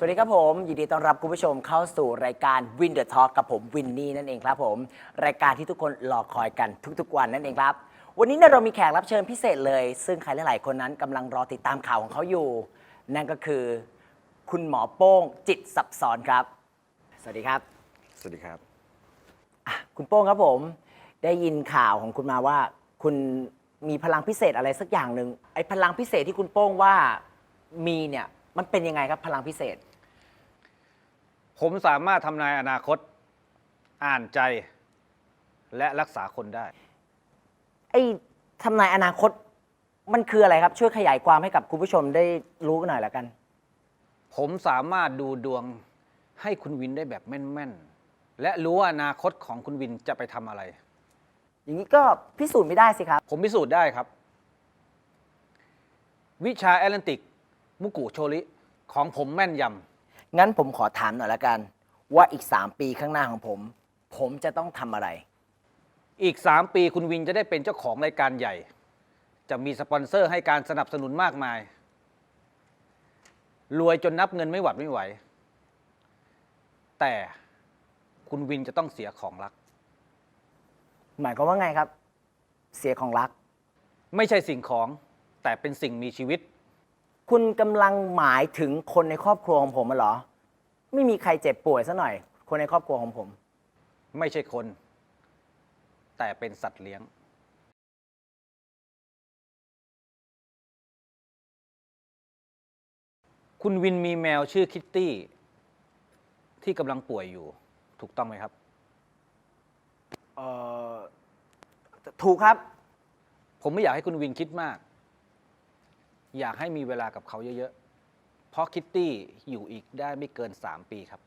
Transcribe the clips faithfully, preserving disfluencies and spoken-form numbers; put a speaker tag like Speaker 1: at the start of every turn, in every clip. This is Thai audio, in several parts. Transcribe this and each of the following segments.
Speaker 1: วัสดีครับผมยินดีต้อนรับคุณผู้ชมเข้าสู่รายการ Win the Talk กับผมวินนี่นั่นเองครับผมรายการที่ทุกคนรอคอยกันทุกๆวันนั่นเองครับวันนี้เรามีแขกรับเชิญพิเศษเลยซึ่งใครหลายๆคนนั้นกำลังรอติดตามข่าวของเขาอยู่นั่นก็คือคุณหมอโป้งจิตซับซ้อนครับสวัสดีครับ
Speaker 2: สวัสดีครับ
Speaker 1: คุณโป้งครับผมได้ยินข่าวของคุณมาว่าคุณมีพลังพิเศษอะไรสักอย่างหนึ่งไอ้พลังพิเศษที่คุณโป้งว่ามีเนี่ยมันเป็นยังไงครับพลังพิเศษ
Speaker 2: ผมสามารถทำนายอนาคตอ่านใจและรักษาคนได้
Speaker 1: ไอ้ทำนายอนาคตมันคืออะไรครับช่วยขยายความให้กับคุณผู้ชมได้รู้กันหน่อยละกัน
Speaker 2: ผมสามารถดูดวงให้คุณวินได้แบบแม่นๆและรู้ว่าอนาคตของคุณวินจะไปทำอะไร
Speaker 1: อย่างนี้ก็พิสูจน์ไม่ได้สิครับ
Speaker 2: ผมพิสูจน์ได้ครับวิชาแอตแลนติกมุกุโชริของผมแม่นย
Speaker 1: ำงั้นผมขอถามหน่อยละกันว่าอีกสามปีข้างหน้าของผมผมจะต้องทำอะไร
Speaker 2: อีกสามปีคุณวินจะได้เป็นเจ้าของรายการใหญ่จะมีสปอนเซอร์ให้การสนับสนุนมากมายรวยจนนับเงินไม่หวัดไม่ไหวแต่คุณวินจะต้องเสียของรัก
Speaker 1: หมายความว่าไงครับเสียของรัก
Speaker 2: ไม่ใช่สิ่งของแต่เป็นสิ่งมีชีวิต
Speaker 1: คุณกำลังหมายถึงคนในครอบครัวของผมเหรอไม่มีใครเจ็บป่วยซะหน่อยคนในครอบครัวของผม
Speaker 2: ไม่ใช่คนแต่เป็นสัตว์เลี้ยงคุณวินมีแมวชื่อคิตตี้ที่กำลังป่วยอยู่ถูกต้องไหมครับ
Speaker 1: เอ่อถูกครับ
Speaker 2: ผมไม่อยากให้คุณวินคิดมากอยากให้มีเวลากับเขาเยอะๆเพราะคิตตี้อยู่อีกได้ไม่เกินสามปีครับ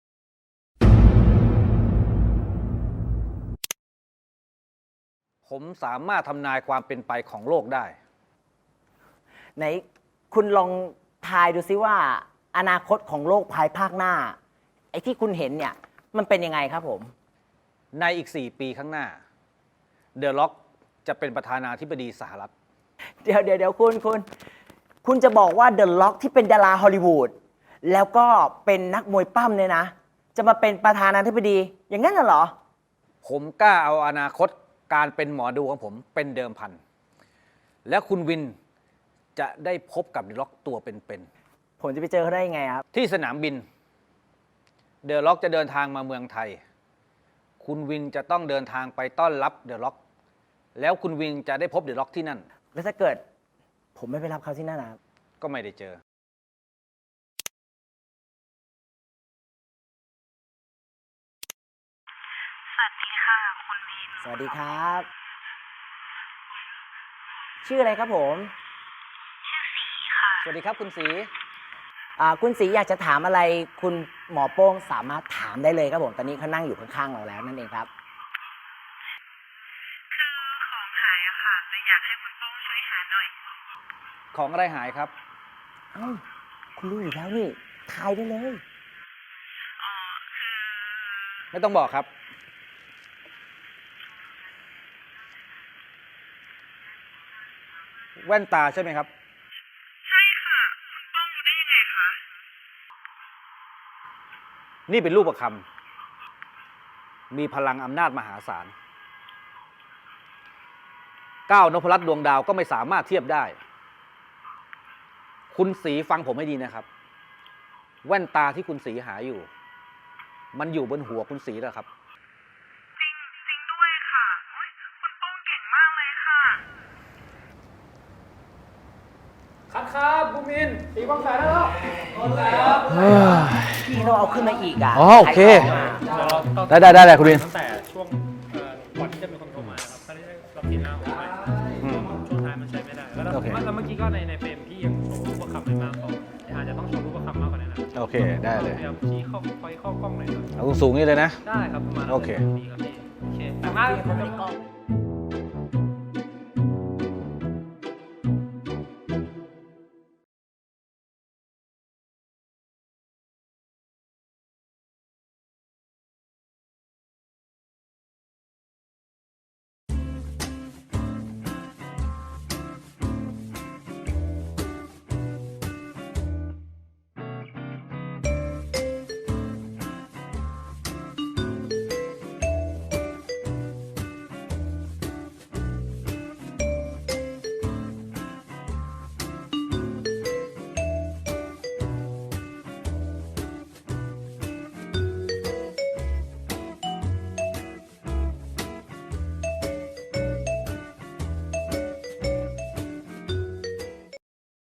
Speaker 2: ผมสามารถทำนายความเป็นไปของโลกได้
Speaker 1: ไหนคุณลองทายดูซิว่าอนาคตของโลกภายภาคหน้าไอ้ที่คุณเห็นเนี่ยมันเป็นยังไงครับผม
Speaker 2: ในอีกสี่ปีข้างหน้าเดอะล็อกจะเป็นประธานาธิบดีสหรัฐ
Speaker 1: เดี๋ยวเดี๋ยวเดี๋ยวคุณคุณคุณจะบอกว่าเดอะล็อกที่เป็นดาราฮอลลีวูดแล้วก็เป็นนักมวยปั้มเนี่ยนะจะมาเป็นประธานาธิบดีอย่างนั้นเหรอ
Speaker 2: ผมกล้าเอาอนาคตการเป็นหมอดูของผมเป็นเดิมพันและคุณวินจะได้พบกับเดอะล็อกตัวเป็น
Speaker 1: ๆผมจะไปเจอเขาได้ยังไงครับ
Speaker 2: ที่สนามบินเดอะล็อกจะเดินทางมาเมืองไทยคุณวินจะต้องเดินทางไปต้อนรับเดอะล็อกแล้วคุณวินจะได้พบเดอะล็อกที่นั่น
Speaker 1: แล้วถ้าเกิดผมไม่ไปรับเขาที่นั่นนะครับ
Speaker 2: ก็ไม่ได้เจอ
Speaker 3: สวัสดีค่ะคุณวิน
Speaker 1: สวัสดีครับชื่ออะไรครับผม
Speaker 3: ชื่อสีค่ะ
Speaker 2: สวัสดีครับคุณสี
Speaker 1: อ่าคุณสีอยากจะถามอะไรคุณหมอโป้งสามารถถามได้เลยครับผมตอนนี้เขานั่งอยู่ข้างๆเราแล้วนั่นเองครับ
Speaker 3: คือของหายอะค่ะเลยอยากให้คุณโป้งช่วยหาหน่อย
Speaker 2: ของอะไรหายครับ
Speaker 1: เอ้าคุณรู้อยู่แล้วนี่ทายได้เลย
Speaker 3: อ๋อคือ
Speaker 2: ไม่ต้องบอกครับแว่นตาใช่ไหมครับ
Speaker 3: ใช่ค่ะคุณโป้งรู้ได้ยังไงคะ
Speaker 2: นี่เป็นรูปประคำมีพลังอำนาจมหาศาลก้าวนพรัตน์ดวงดาวก็ไม่สามารถเทียบได้คุณสีฟังผมให้ดีนะครับแว่นตาที่คุณสีหาอยู่มันอยู่บนหัวคุณสีแล้วครับ
Speaker 3: จริงจริงด้วยค่ะโอ๊ยคุณโป้งเก่งมากเลยค่ะ
Speaker 2: คัดครับบูมินสีกองแสได้แล้ว
Speaker 1: พี่ต้องเอาขึ้นมาอีกอ่ะ
Speaker 2: อ๋อโอเคได้ได้ได้คุณวิน
Speaker 4: ตั้งแต่ช่วงก่อนที่จะมีคนโทรมาครับตอนนี้เราผิดหน้าของไปช่วงท้ายมันใช้ไม่ได้แล้วแล้วเมื่อกี้ก็ในในเฟรมพี่ยังโชว์รูปประคำไม่มากพออาจจะต้องโชว์รูปประคำมากกว่านั้นนะ
Speaker 2: โอเคได้เลย
Speaker 4: พยายามชี้เข้าไปเข้ากล้องหน่อย
Speaker 2: เอาสูงนี่เลยนะ
Speaker 4: ได้ครับประมาณ
Speaker 2: โอเค
Speaker 4: ดีครับพี่โอเคแต่มาก